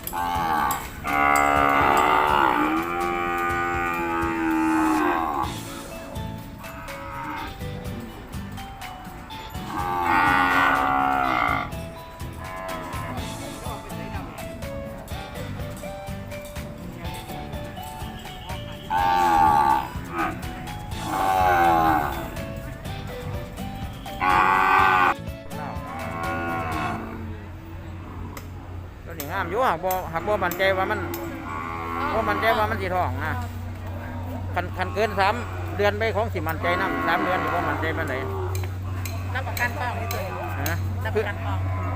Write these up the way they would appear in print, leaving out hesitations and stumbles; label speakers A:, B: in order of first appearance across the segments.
A: งามอยู่หักบ่มั่นใจว่ามันสิท้องนะคันเกิน3 เดือนไปของสิมั่นใจนำ3 เดือนนี่บ่มั่นใจปานใด
B: รับประกันท้องนี่ตัว
A: ฮะ
B: รับประกันท้อง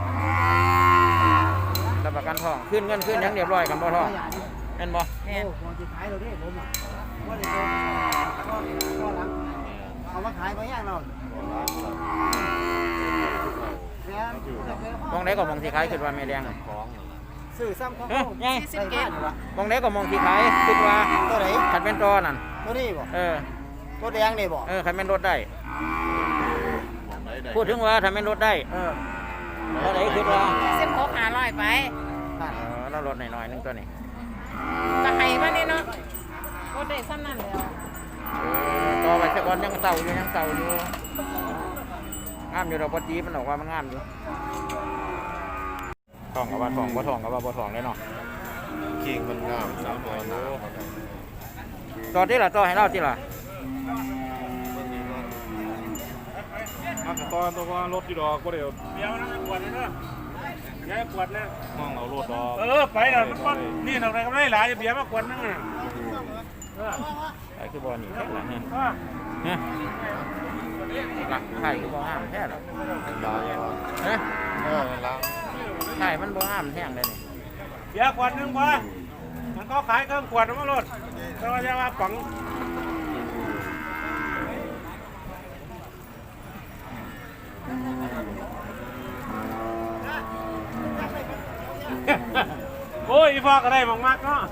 A: รับประกันท้องขึ้นเงินขึ้นหยังเรียบร้อยกันบ่ท้องแม่นบ่
B: แม่น
C: ผมสิขายเราเด้ผมอ่ะว่าได้ก็หลังเอามาขายบ่ย่างเรา
A: มองไหนก็มองสิขายคิดว่าแม่แดง
C: ซื้อซ้ำของ
B: 40 เกต
A: มองไหนก็มองสิขายคิดว่า
C: ตัวไหน
A: คันเป็นตัวนั่น
C: ตัวนี้บ่ตัวแดงนี่บ่
A: คันเป็นรถได้พูดถึงว่าถ้าเป็นรถได้ตัวไหนคิดว่า
B: 16 500ไป
A: แล้วรถหน่อยๆนึงตัวนี้
B: ก็ให้มานี่เนาะรถได้ซ้ำนั่นแล้ว
A: ต่อไปสักวันยังเต่าอยู่งามอยู่ดอกปจีมันบอกว่ามันงามอยู่ทองกับว่าทองบ่ทองกับว่าบ่ทองเลยเนาะ
D: คิงมันงามสาวน้อยนะ
A: ต่อที่ล่ะต่อให้เราที่ล่ะ
D: มาตอนตัวรถที่ดอกก็เดี๋ยว
E: นะกวดเลยเนาะย้ายกวดเลย
D: มองเรารถดอก
E: ไปแล้วมันนี่ทำอะไรก็ไม่หลายเบียร์มากวดนั่งอ่ะ
A: ไอ้คือบอลนี่แค่หลังเนี่ยหลักไข่คือบอลห้ามแค่หรอไข่มันบอลห้ามแห้งเลยนี่
E: เบียร์กวดนึงบ่มันก็ขายเครื่องกวดมารถก็จะว่าปังโอ้ยอีฟอกอะไรมากๆเนาะ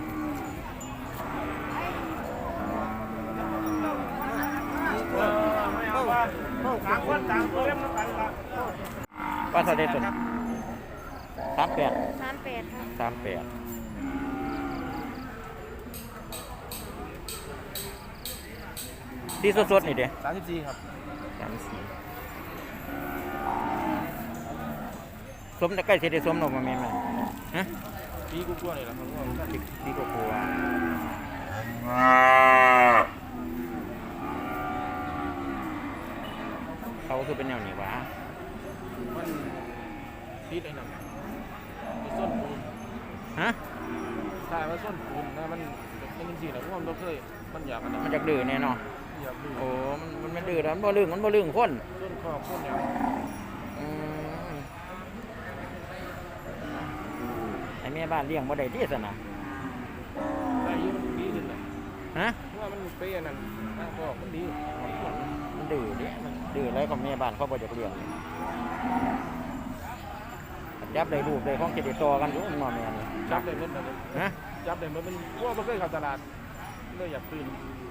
E: ต่างคนต่างตัวเล่มน้ำกันละ
A: ว่าเท่าไรตัว38 ดีสดๆนี่เด้
C: 34ครับ
A: สมแต่ใกล้เสร็จได้สมหรอกมาแม่ฮะ
D: ปีกูกลัวเลยล่ะครับ
A: ปีกูกลัวเขาคือเป็นแนวนี้วะ
D: มันพิษไอ้นั่นส้นปูน
A: ฮะ
D: ใช่ว่าส้นปูนนะมันจริงๆนะพวกมันเคยมันอยากอะไร
A: มันอยากดื้อแน่นอนโอ้มันไม่ดื้อแล้วมันบ่ลึงคน
D: ส้นคอส้นอย่าง
A: ไอ้แม่บ้านเลี้ยงบ่ได้ที่สนะ
D: ได้ยี่มันดีขึ้นเลย
A: ฮะ
D: ว่ามันเปรี้ยนั่นก็มันดี
A: มันดื้อเนี่ยมันดื้อแล้วก็แม่บ้านเขาบ่อยากเลี้ยงจับได้รูปได้ของเจดีย์ต่อกันอยู่มันมาแม่นี่
D: จับได้เมื่อไหร่
A: ฮะ
D: จับได้เมื่อมันว่าไม่เคยเข้าตลาดเลยอยากตื่น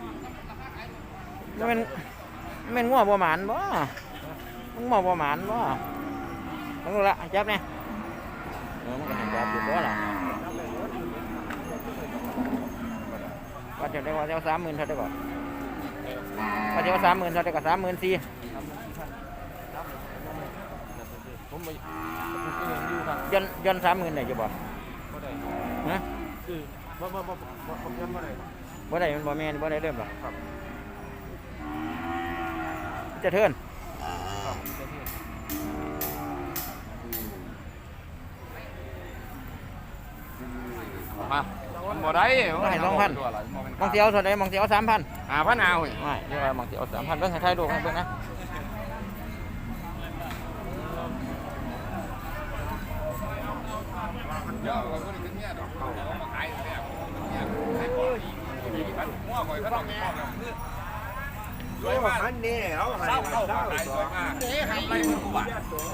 A: มันงัวบ่หมานบ่มันงัวบ่หมานบ่ต้องรู้ละจับเนี่ยมันก็เห็นจับอยู่บ่ล่ะว่าจะได้ว่าจะ30,000เท่าได้ก่อนว่าจะ30,000เท่าได้ก็34,000
D: ผมไป
A: ย้อน30,000ได้อยู่บ่ฮะ
D: คือผมย้อนบ่ได้
A: มันบ่แม่นบ่ได้เริ่มหรอกครับจะเทิน
D: มาบ่ได้
A: ให้2,000มองเสียวเท่าใดมองเสียว 3,000
D: 5,000เอา
A: ไม่เดี๋ยวมองเสียว 3,000เบิ่งให้ถ่ายรูปให้เบิ่งนะ
C: สวยมากอันนี้เอาให้สวยมาก
D: ทำไรมึงกูบ้า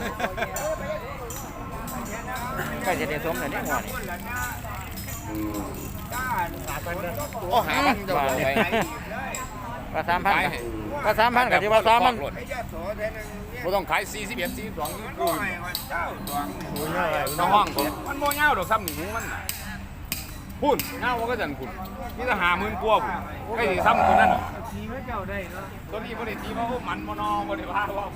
A: ใกล้จะได้สมแล้วเนี่ยหัวนี่
D: โอ้หามันจะไป
A: ก็3,000ก็3,000ก็สิว่า3,000
D: บ่ต้องขาย41 42
C: โอ้ยเจ้าสวง
D: น้องห้องผมมันบ่ยาวดอกซ้ำหนึ่งมันน่ะพุ่นยาวมันก็จันพุ่นนี่ถ้า50,000กว่าพุ่นไอ้ที่ซ้ำตัวนั้น
C: สีพระเจ้าได้เนาะ
D: ตัวนี้บ่ได้ตีเพราะมันบ่นอบ่ได้ว่าว่า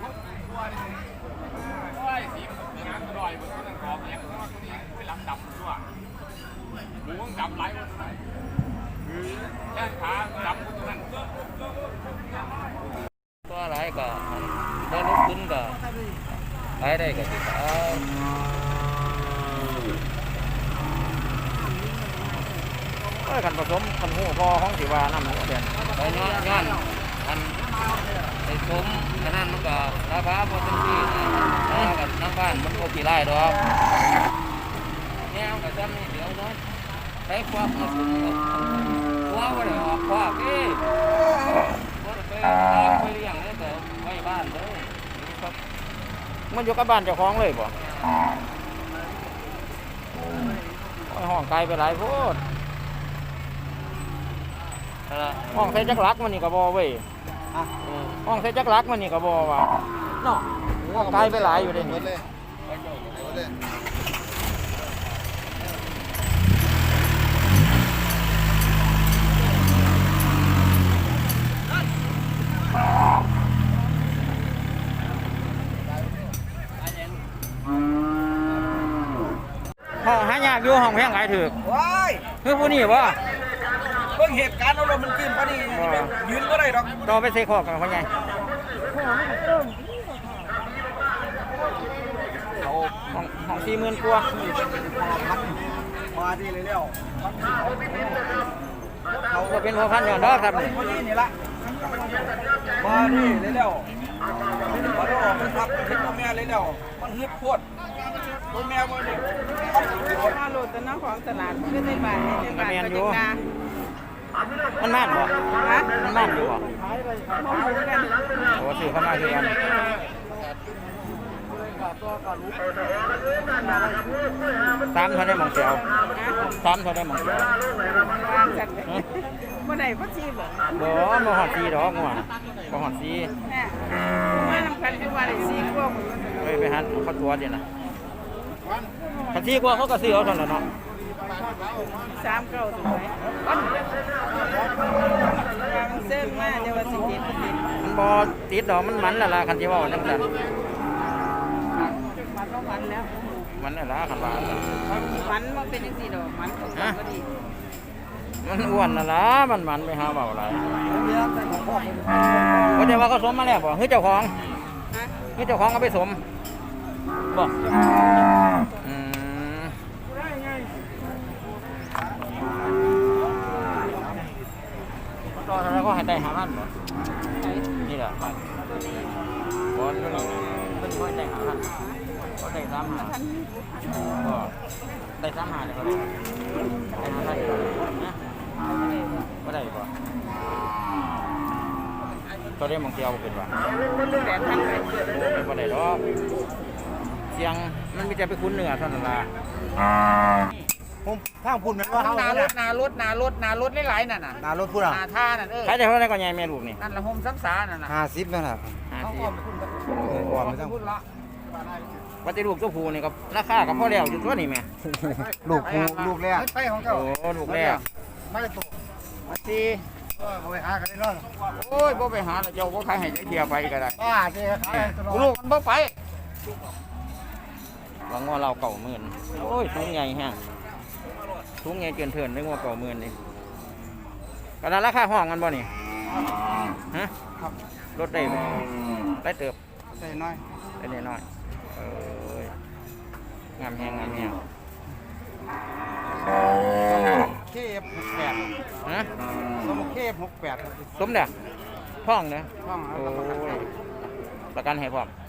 D: โอ้ยสีมันงานอร่อยมันต้องขอแยกเพราะว่าตัวนี้ไปลำดำตัวหมูมันดำหลายวันแค่ขาดำตัวนั้น
A: ตัวหลายก็ได้ลดขึ้นก็ขายได้ก็สิคันผสมคันหูพอของสิว่าน้ำเดือนไปย้อนคันไปสมขนาดมันก็ราคาพอเต็มที่นะกับน้ำบ้านมันก็กี่ไร่ดอกเนี่ยกับจำนี่เดี๋ยวน้อยใช้ควักมาสมหัวว่าเดี๋ยวออกควักไปเลี้ยงเลยแต่ไว้บ้านเลยมันอยู่กับบ้านเจ้าของเลยบ่ห้องไกลไปหลายโพดห้องใส่จักรักมันนี่ก็บ่เว้ยห้องใส่จักรักมันนี่ก็บ่ว่าเนาะห้องไกลไปหลายอยู่เด้นี่ห้องหายากอยู่ห้องแพงขายถูก
C: ว้าย
A: คือผู้นี้บ่
C: เพิ่งเหตุการณ์เอาลมมันขึ้นพอดียืนก็ได้ดอก
A: ต่อไปใส่คอกกันพ่อใหญ่ห้อง40,000กว่า
C: มาดีเลยแล้ว
A: เขาก็เป็นหัวพันอย่างดอกครับนี่
C: พอดีนี่ละมาดีเลยแล้วมาได้ออกมันทับเห็นตัวแม่เลยแล้วมันฮึดโคตรตัวแม่มาเนี่ย
B: มาโหลดแต่น้ำของตลาดขึ้นในบ้านในบ้านก็จังนา
A: มันม่านบ่
B: ฮะ
A: มันม่านอยู่บ่
B: ห้องหมูกัน
A: โอ้ซื้อเข้ามาคือกัน3เท่าได้หม่องเสียว3เท่าได้หม่องเสียว
B: วางจัดเมื่อไหร่พ่อชีบ่
A: บ่ฮอด4ดอกงัวบ่ฮอด4
B: แม่มาทำกันทุกวันเลยซีกว่า
A: ไปหันเขาตัวเดียวนะคัน4กว่าเขาก็ซื้อเอาเท่านั้นเนาะ
B: 3 เก้าถูกไหมมันเสื่อมมากเดี๋ยวว่าสิเจ็ดสิ
A: มันบ่ติดดอกมันมันละล่ะคันสิเว้าจังซั่น
B: มันต้องมันแล้ว
A: มันน่ะล่ะคันว่า
B: มันมันเป็นจังซี่ดอกมันของมันก็ดี
A: มันอ้วนน่ะล่ะมันไปหาเว้าหลาย
C: เมียแต่ของพ่อเป็น
A: บ่ได้ว่าเขาสมมาแล้วบ่คือเจ้าของ
B: ฮะ
A: คือเจ้าของเอาไปสมบ่อืมต่อเท่าไหร่ก็ให้ได้5,000บ่นี่ล่ะบ่อยู่นี่เพิ่นบ่ได้5,000ก็ได้3,000ก็ได้3,000เลยก็ได้5,000นะบ่ได้บ่ก็ได้หม่องเที่ยวบ่เป็นว่า
B: 8,000ไป
A: เป็นบ่ได้ดอกเสียงมันมีแต่ไปคุ้นเนื้อเท่านั้นล่ะ
C: ผมทางพุ่นแม่นว่าเฮา
B: หน้า
C: เนี่ย
B: รถหลายๆนั่นน่ะ
C: นารถพุ่นอ่ะ
B: หน้าท่านั่น
A: ขายได้เท่าไหร่ก็ใหญ่แม่ลูกนี่
B: นั่นละห่มซ้ำสานั่นน่ะ
C: 50นั่นน่ะ
A: 50
C: ก่อนไม่ต้อง
B: พูดละ
A: ว่าแต่ลูกตัวผู้นี่ก็ราคาก็พอแล้วอยู่ตัวนี้แม่
C: ลูกกูลูกแรกไปของเจ้า
A: โอ้ลูกแรก
C: ไม่ได้ตัว
A: มาสิ
C: เอาไปหากันได้เนาะ
A: โอ้ยบ่ไปหาแล้วเจ้าบ่ขายให้จักเที่ยไปก็ได้
C: ป้าเจ๊ขายตลอด
A: ลูกมันบ่ไปหวังว่าเรา90,000โอ้ยสูงใหญ่แฮะสูงใหญ่เกินเถินนึกว่า90,000นี่ก็นั้นราคาห้องมันบ่นี่ฮะ
C: ครับ
A: ลดได้บ่ได้เติบ
C: ใส่น้อย
A: ได้น้อยเอ้ยงามแฮง
C: เคฟ68
A: ฮะ
C: สมเคฟ68ครับ
A: สมเด้อท้องเด้อ
C: ห้อง
A: โอ้ยประกันให้พร้อม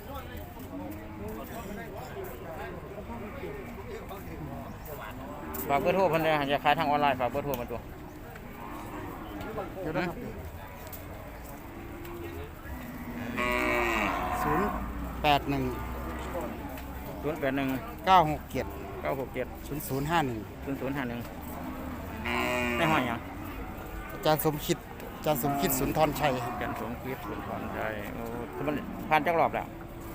A: ฝากเบอร์โทรเพิ่นเด้อจะขายทางออนไลน์ฝากเบอร์โทรมาตัว
C: เดี๋ยวนะครับ081
A: 081
C: 967
A: 967
C: 0051
A: 0051ในห้อยหยัง
C: อาจารย์สมคิด
F: อาจารย์สมคิดสุนทรชัย
A: จันทร์สมคิดสุนทรชัยโอ้มันผ่านจักรอบแล้ว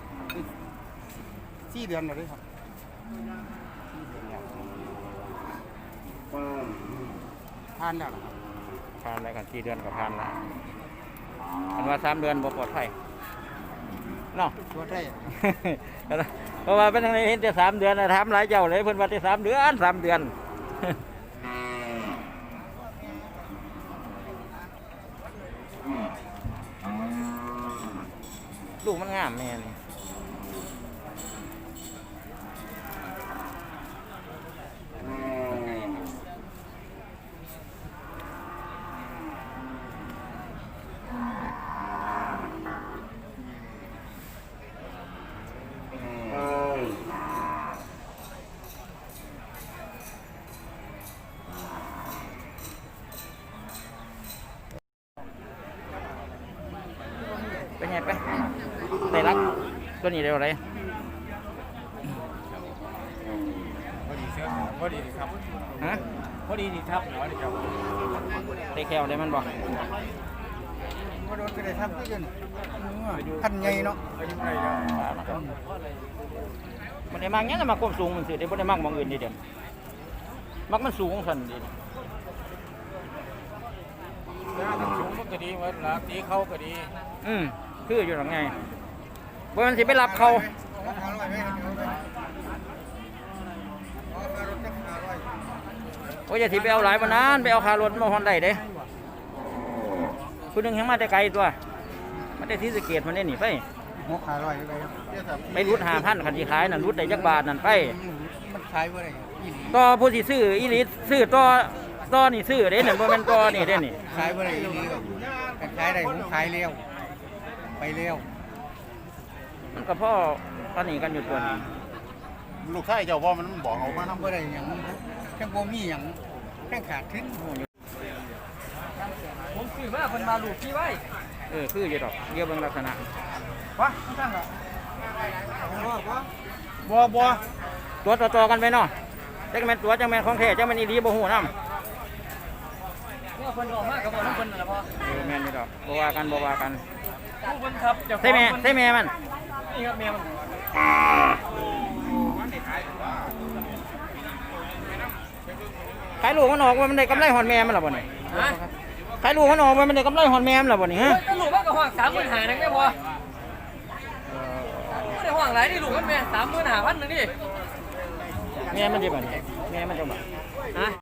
F: 4 เดือนแล้วเด้ครับผ่านแล้วครับ
A: ผ่านแล้วกัน4 เดือนก็ผ่านแล้วอันว่า3 เดือนบ่ปลอดภัยเนาะ
F: ตัวได้
A: เพราะว่าเป็นทางนี้เห็นแต่3 เดือนนะถามหลายเจ้าเลยเพิ่นว่าแต่3 เดือน3 เดือน ลูกมันงามแม่นี่เป็นไงไปได้รักตัวนี้เร็วเลย
E: พอดีเสื้อพอดีครับ
A: ฮะ
E: พอดีนี่ครับพอดีครับ
A: ได้แควได้มันบ่
F: บ่โดนก็ได้ทำที่ยืนพันใหญ่เนาะ
E: อายุเท่าไหร่แล้ว
A: มันได้มากเงี้ยมาความสูงมันสิได้บ่ได้มากมองอื่นดีเด่นมักมันสูงสั่นดี
E: ถ้ามันสูงมันก็ดีเหมือนละตีเขาก็ดี
A: คืออยู่หลังไงบ่มันสิไปรับเขาโอ้ยอย่าสิไปเอาหลายปานนั้นไปเอาคารถมาฮอนได้เด้ผู้หนึงยังมาแต่ไกลตัวมาแต่ศรีสะเกษมันได้หนีไป
F: หัวขาลอยไปครับ
A: ไปรุด5,000คันสิขายนั่นรุดได้จักบาทนั่นไป
F: มันขายบ่ได้อีหลี
A: ต่อผู้สิซื้ออีหลีซื้อต่อนี่ซื้อเด้นั่นบ่แม่นต่อนี่เด้นี่
F: ขายบ่ได้อีหลีครับแต่ขายได้ผมขายเร็วไปเร็ว
A: มันก็พ่อตอนนี้กันอยู่ตัวนี้
F: ลูกชายเจ้าว่ามันบอกเอามาทำบ่ได้หยังแค่บ่มีหยังแค่ขาดทุน
C: ผมซื้อมาเพิ่นมาลูกพี่ไว้
A: คืออยู่ดอกเดี๋ยวเบิ่งลักษณะ
F: วะตั้งละบ่
A: ตัวต่อๆกันไปเนาะจักแม่นตัวจักแม่นของแท้จักแม่นอีหลีบ่ฮู้นำ
C: เนี่ยเพิ่นออกมาก็บ่นำเพิ่นนั่นล่ะพ่อ
A: แม่นอยู่ดอกบ่ว่ากันบ่ว่ากัน
C: ผู้เพิ่นครับเจ้าของ
A: ใช่แม่มัน
C: นี่ครับแม่มัน
A: ขายลูกมันออกว่ามันได้กำไรหอนแม่มันล่ะบ่นี่
C: ฮะ
A: ขายลูกมันออกว่ามันได้กำไรหอนแม่มันล่ะบ่นี่ฮะ
C: โอ้ยแต่ลูกมันก็ห้อง35,000นึงได้บ่บ่ได้ห้องหลายนี่ลูกมันแม่35,000นึงดิ
A: แม่มันสิบ่นี่แม่มันจังบ่
C: ฮะ